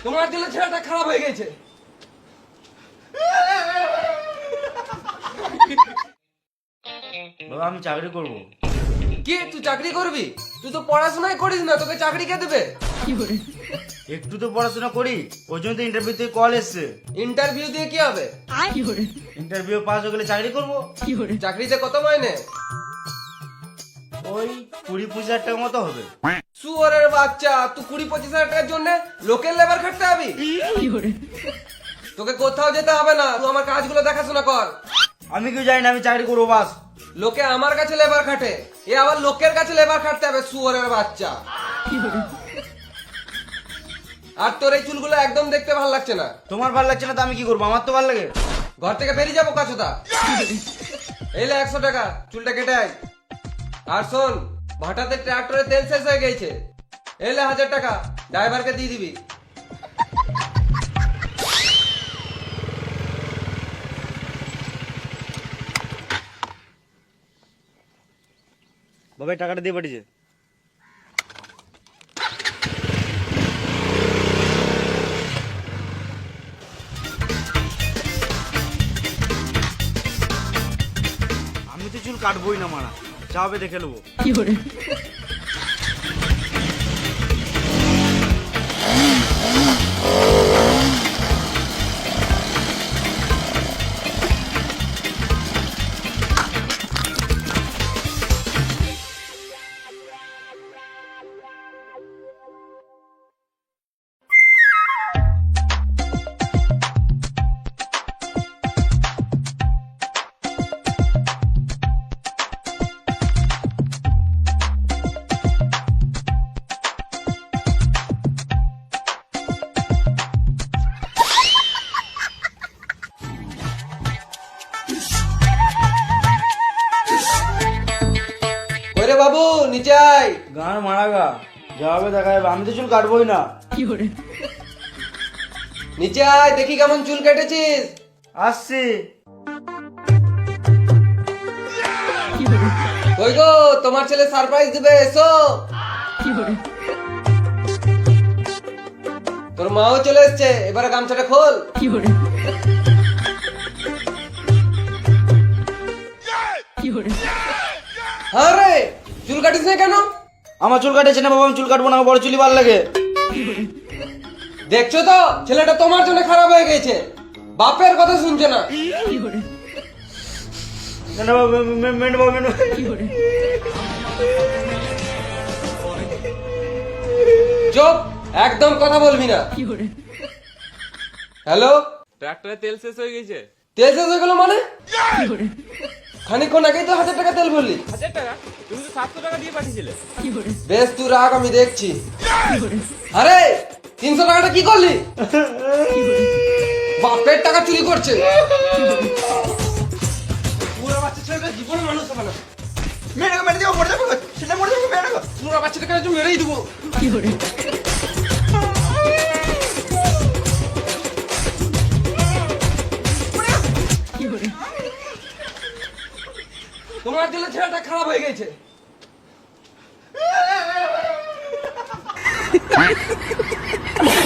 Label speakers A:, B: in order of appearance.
A: তোমার জন্য ছেলেটা খারাপ হয়ে গেছে।
B: বাবা আমি চাকরি করব।
A: কি তুই চাকরি করবি? তুই তো পড়াশোনাই করিস না, তোকে চাকরি কে দেবে?
B: একটু তো পড়াশোনা করি, ওই জন্য তো ইন্টারভিউ থেকে কল এসছে।
A: ইন্টারভিউ দিয়ে কি হবে?
B: ইন্টারভিউ পাস হয়ে গেলে চাকরি করব।
A: চাকরিতে কত মাইনে?
B: ওই 20-25 হাজার টাকা মতো হবে।
A: শুয়োরের বাচ্চা, তুই 20-25 হাজার টাকার জন্য লোকের লেবার খাটতে হবি? তোকে কোথাও যেতে হবে না, তুই আমার কাজগুলো দেখাশোনা কর।
B: আমি কি জানি না, আমি চাকরি করবো বাস।
A: লোকে আমার কাছে লেবার খাটে, এ আবার লোকের কাছে লেবার খাটতে হবে, শুয়োরের বাচ্চা। আর তোর এই চুলগুলো একদম দেখতে ভালো লাগছে না।
B: তোমার ভালো লাগছে না তো আমি কি করবো, আমার তো ভালো লাগে।
A: ঘর থেকে বেরিয়ে যাবো কাছুদা। এইলে 100 টাকা, চুলটা কেটে আয়। আর শোন, ভাটাতে ট্রাক্টরে তেল শেষ হয়ে গেছে, এইলে 1000 টাকা ড্রাইভারকে দিয়ে দিবি।
B: বাবা এই টাকাটা দিয়ে পাঠিয়েছে। আমি তো চুল কাটবোই না মারা, যা হবে দেখে নেবো।
A: ওরে বাবু নিচে আয়।
B: গান মারা গা, যা হবে দেখা যাবে, আমি তো চুল কাটবোই না।
A: নিচে আয়, দেখি কেমন চুল কেটেছিস।
B: আসছি।
A: কই গো, তোমার ছেলে সারপ্রাইজ দিবে, এসো। তোর মাও চলে এসছে, এবারে গামছাটা খোল। আরে চুল কাটিস না কেন?
B: আমার চুল কাটেছে না বাবা, আমি চুল কাটবো না, আমার বড় চুলই ভালো লাগে।
A: দেখছো তো ছেলেটা তোমার জন্য খারাপ হয়ে গেছে, বাপের কথা শুনছে না।
B: না বাবা, মেন বাবা, মেন।
A: চুপ, একদম কথা বলবি না। হ্যালো,
C: ট্রাক্টরে তেল শেষ হয়ে গেছে।
A: তেল শেষ হয়ে গেল মানে? খানিকক্ষণ আগেই তো 1000 টাকা তেল ভরলি।
C: 1000 টাকা? তুমি তো 700 টাকা দিয়ে পাঠিয়েছিলে।
A: বেশ তুই রাখ, আমি দেখছি। আরে 300 টাকাটা কি করলি? বাপের টাকা চুরি করছে। পুরো বাচ্চা ছেলেটা জীবনে মানুষ হবে না।
B: মেরে দেবো, মরে যাবো, সেটা মরে যাবো, মেরে দেবো।
A: পুরো বাচ্চাটাকে আজ মেরেই দেবো। তোমার জন্য ছেলেটা খারাপ হয়ে গেছে।